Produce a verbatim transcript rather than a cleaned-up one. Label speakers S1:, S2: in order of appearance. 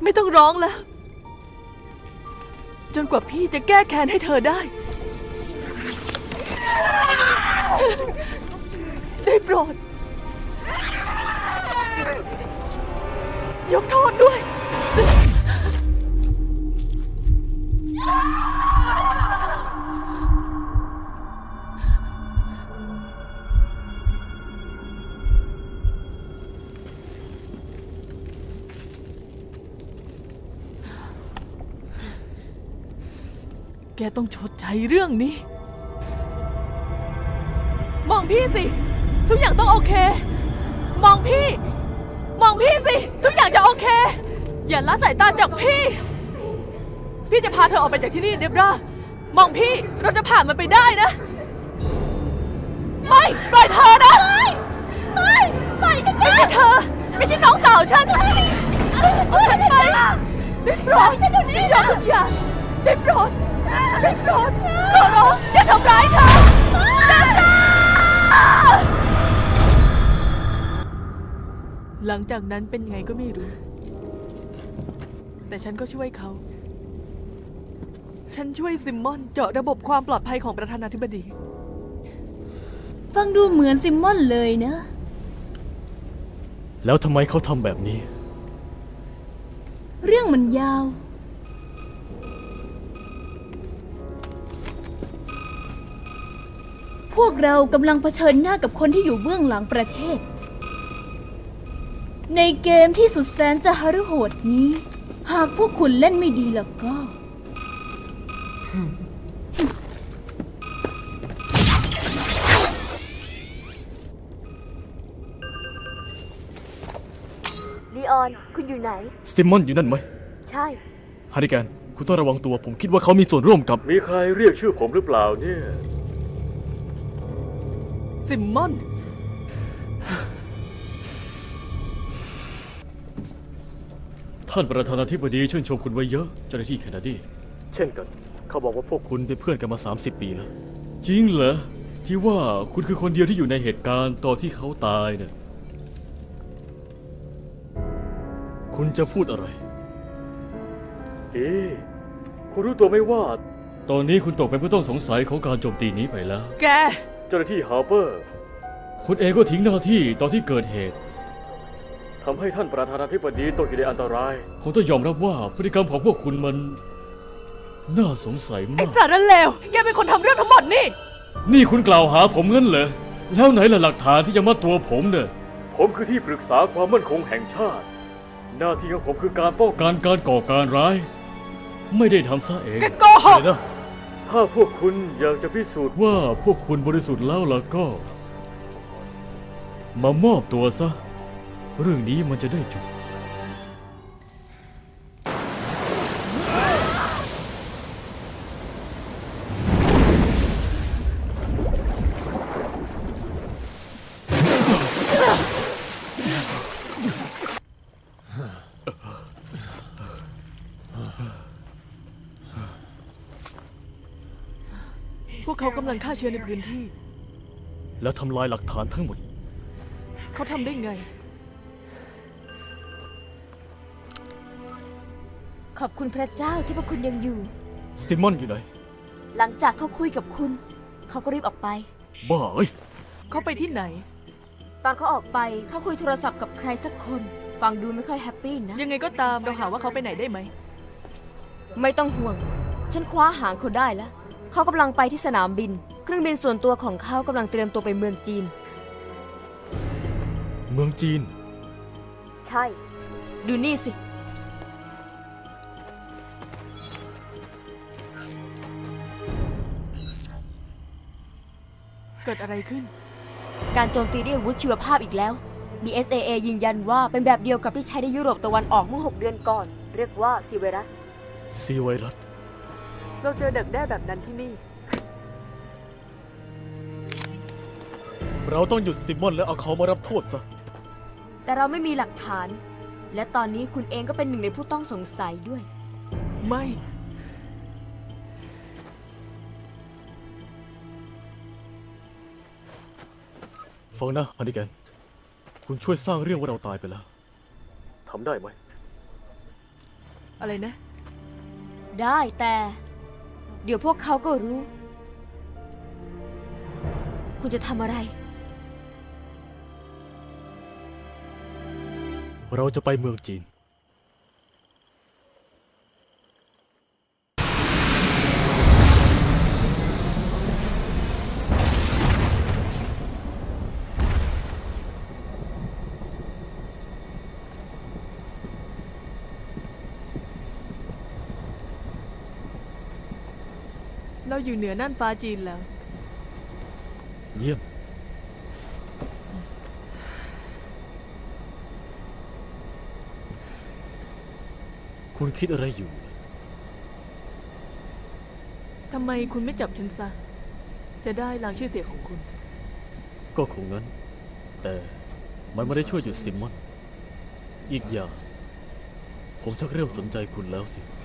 S1: ไม่ต้องร้องแล้วจนกว่าพี่จะแก้แค้นให้เธอได้ได้โปรดยกโทษด้วยแกต้องชดใช้เรื่องนี้มองพี่สิทุกอย่างต้องโอเคมองพี่มองพี่สิทุกอย่างจะโอเคอย่าละสายตาจากพี่พี่จะพาเธอออกไปจากที่นี่เดบรามองพี่เราจะผ่านมันไปได้นะไม่ปล่อยเธอนะไม่ปล่อยฉันไม่ใช่เธอไม่ใช่น้องสาวฉันเอาฉันไปได้โปรดฉันยอมทุกอย่างได้โปรดได้โปรดขอร้องอย่าทำร้ายเธอหลังจากนั้นเป็นไงก็ไม่รู้แต่ฉันก็ช่วยเขาฉันช่วยซิมมอนเจาะระบบความปลอดภัยของประธานาธิบดี
S2: ฟังดูเหมือนซิมมอนเลยนะ
S3: แล้วทำไมเขาทำแบบนี้
S2: เรื่องมันยาวพวกเรากำลังเผชิญหน้ากับคนที่อยู่เบื้องหลังประเทศในเกมที่สุดแสนจะหฤโหดนี้หากพวกคุณเล่นไม่ดีแล้วก็
S4: ลีออนคุณอยู่ไหน
S3: ซิมมอนอยู่นั่นไหม
S4: ใช่
S3: ฮาริแกนคุณต้องระวังตัวผมคิดว่าเขามีส่วนร่วมกับ
S5: มีใครเรียกชื่อผมหรือเปล่าเนี่ย
S1: ซิมมอน
S3: ท่านประธานาธิบดีชื่นชมคุณไว้เยอะเจ้าหน้าที่แคนาดี
S5: เช่นกันเขาบอกว่าพวก
S3: คุณเป็นเพื่อนกันมาสามสิบปีแล้ว
S5: จริงเหรอที่ว่าคุณคือคนเดียวที่อยู่ในเหตุการณ์ตอนที่เขาตายเนี่ย
S3: คุณจะพูดอะไร
S5: เอ๊ะคุณรู้ตัวไหมว่าตอนนี้คุณตกเป็นผู้ต้องสงสัยของการโจมตีนี้ไปแล้ว
S1: แก
S5: เจ้าหน้าที่ฮาร์เปอร์คุณเองก็ทิ้งหน้าที่ตอนที่เกิดเหตุทำให้ท่านประธานาธิบดีตกอยู่ในอันตรายคงต้องยอมรับว่าพฤติกรรมของพวกคุณมันน่าสงสัยมาก
S1: ไอ้สารเลวแกเป็นคนทำเรื่องทั้งหมดนี่
S5: นี่คุณกล่าวหาผมงั้นเหรอแล้วไหนล่ะหลักฐานที่จะมัดตัวผมเนี่ยผมคือที่ปรึกษาความมั่นคงแห่งชาติหน้าที่ของผมคือการป้องกันการก่อการร้ายไม่ได้ทำซะเอง
S1: แกโกหก
S5: นะถ้าพวกคุณอยากจะพิสูจน์ว่าพวกคุณบริสุทธิ์แล้วล่ะก็มามอบตัวซะเรื่องนี้มันจะได้จบ
S1: พวกเขากำลังฆ่าเชื้อในพื้นที่
S3: แล้วทำลายหลักฐานทั้งหมด
S1: เขาทำได้ไง
S4: ขอบคุณพระเจ้าที่พวกคุณยังอยู่
S3: ซิมมอนอยู่ไหน
S4: หลังจากเขาคุยกับคุณเขาก็รีบออกไป
S3: บ้าเอ้ย
S1: เขาไปที่ไหน
S4: ตอนเขาออกไปเขาคุยโทรศัพท์กับใครสักคนฟังดูไม่ค่อยแฮปปี้นะ
S1: ยังไงก็ตามเราหาว่าเขาไปไหนได้ไหม
S4: ไม่ต้องห่วงฉันคว้าหางเขาได้แล้วเขากำลังไปที่สนามบินเครื่องบินส่วนตัวของเขากำลังเตรียมตัวไปเมืองจีน
S3: เมืองจีน
S4: ใช่ดูนี่สิ
S1: เกิดอะไรขึ้น
S4: การโจมตีด้วยอาวุธชีวภาพอีกแล้ว ดี เอส เอ เอ ยืนยันว่าเป็นแบบเดียวกับที่ใช้ในยุโรปตะวันออกเมื่อหกเดือนก่อนเรียกว่าซีไวรัส
S3: ซีไวรัส
S1: เราเจอเด็กแด้แบบนั้นที่นี่
S3: เราต้องหยุดซิมมอนและเอาเขามารับโทษซะ
S4: แต่เราไม่มีหลักฐานและตอนนี้คุณเองก็เป็นหนึ่งในผู้ต้องสงสัยด้วย
S1: ไม่
S3: ฟังนะฮันนี่แกนคุณช่วยสร้างเรื่องว่าเราตายไปแล้ว
S5: ทำได้ไหม
S1: อะไรนะ
S4: ได้แต่ เดี๋ยวพวกเขาก็รู้ คุณจะทำอะไร
S6: เราจะไปเมืองจีน
S1: เราอยู่เหนือน่านฟ้าจีนแล้ว
S6: เยี่ยม คุณคิดอะไรอยู่
S1: ทำไมคุณไม่จับฉันซะ จะได้ล้างชื่อเสียงของคุณ
S6: ก็คงงั้น แต่มันไม่ได้ช่วยหยุดซิมมอน อีกอย่าง ผมชักเริ่มสนใจคุณแล้วสิ